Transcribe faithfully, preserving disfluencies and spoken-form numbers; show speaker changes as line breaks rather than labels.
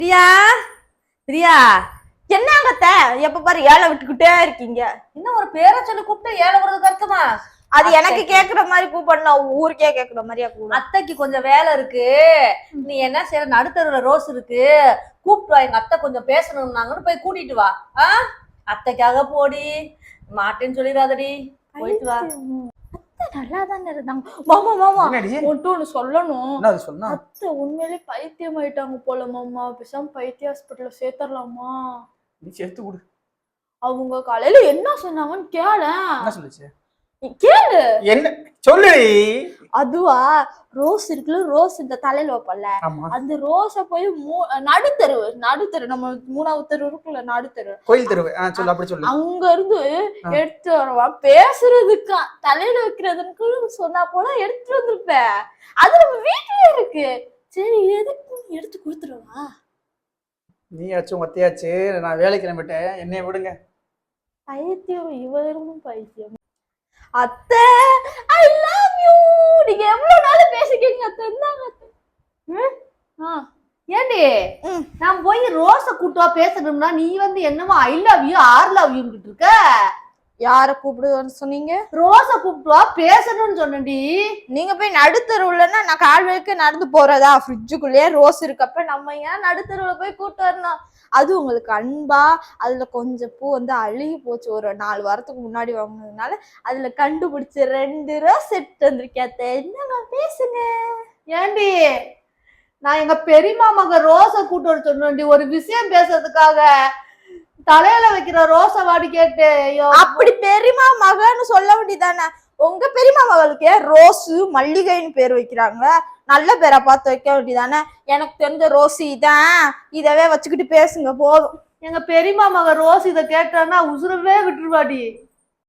பிரியா பிரியா என்னங்கத்த எப்ப பாரு ஏழை விட்டுக்கிட்டே இருக்கீங்க.
இன்னும் ஒரு பேரை சொல்லி கூப்பிட்டு ஏழை வருது அர்த்தமா?
அது எனக்கு கேக்குற மாதிரி கூப்பிடணும், ஊருக்கே கேக்குற மாதிரியா கூப்பிடும்.
அத்தைக்கு கொஞ்சம் வேலை இருக்கு, நீ என்ன செய்யற, நடுத்தருவுல ரோஸ் இருக்கு, கூப்பிட்டு வா, எங்க அத்தை கொஞ்சம் பேசணும்னாங்கன்னு போய் கூட்டிட்டு வா. ஆஹ் அத்தைக்காக போடி, மாட்டேன்னு சொல்லிடாதடி, போயிட்டு வா.
நல்லா தானே இருந்தாங்க. மாமா மாமா ஒன்ட்டு ஒண்ணு சொல்லணும். அத்தை உண்மையிலே பைத்தியம் ஆயிட்டாங்க போல மாமா. பேசாம பைத்திய ஹாஸ்பிட்டல்ல சேர்த்தரலாமா?
நீ சேர்த்து கொடு.
அவங்க காலையில என்ன சொன்னாங்கன்னு கேள.
என்ன சொல்லுச்சு?
கேளு.
என்ன சொல்லு.
அதுவா, ரோஸ் இருக்குல்ல, ரோஸ் இந்த தலையில வைப்பல, அந்த ரோஸ போய் நடுத்தரு நடுத்தரு நம்ம மூணாவது தெரு இருக்குல்ல, நடுத்தரு
கோயில் தெரு சொல்லு, அப்படி சொல்லு.
அங்க இருந்து எடுத்து வரவா பேசுறதுக்கா, தலையில வைக்கிறதுக்கு சொன்னா போல எடுத்துட்டு வந்திருப்ப. அது நம்ம வீட்டுலயே இருக்கு. சரி எதுக்கு எடுத்து கொடுத்துருவா?
நீயாச்சும் ஒத்தையாச்சு, நான் வேலைக்கு கிளம்பிட்டேன், என்னைய விடுங்க.
பைத்தியம் இவரும் பைத்தியம். அத்தை ஐ லவ் யூ. நீங்க எவ்வளவு நாள் பேசிக்கீங்க அத்தை?
ஏண்டி நான் போய் ரோஸ கூட்டுவா பேசணும்னா நீ வந்து என்னமோ I love you or love you இருக்க.
யார கூப்பிடுவான்னு சொன்னீங்க?
ரோஸ கூப்பிட்டுவா பேசணும்னு சொன்னடி.
நீங்க போய் நடுத்தருவுலன்னா நான் கால் வரைக்கும் நடந்து போறதா? ஃப்ரிட்ஜுக்குள்ளேயே ரோஸ் இருக்கப்ப நம்ம ஏன் நடுத்தருவுல போய் கூட்டு வரணும்? அது உங்களுக்கு அன்பா? அதுல கொஞ்சம் பூ வந்து அழுகி போச்சு, ஒரு நாலு வாரத்துக்கு முன்னாடி வாங்கினதுனால அதுல கண்டுபிடிச்சு ரெண்டு ரோஸ் செட் வந்திருக்கேன். என்னங்க பேசுங்க.
ஏண்டி நான் எங்க பெரியமா மக ரோஸ கூட்டு வர சொன்னேன்டி, ஒரு விஷயம் பேசுறதுக்காக. தலையில வைக்கிற ரோஸ வாடி கேட்டு.
அப்படி பெரியமா மகன்னு சொல்ல வேண்டியதானே? உங்க பெரியமா மகளுக்கு ரோஸு மல்லிகைன்னு பேர் வைக்கிறாங்க, நல்ல பேரை பார்த்து வைக்க வேண்டியதானே? எனக்கு தெரிஞ்ச ரோஸு இதான், இதவே வச்சுக்கிட்டு பேசுங்க போதும்.
எங்க பெரியமா மக ரோஸ் இதை கேட்டான்னா உசுரவே விட்டுருவாடி.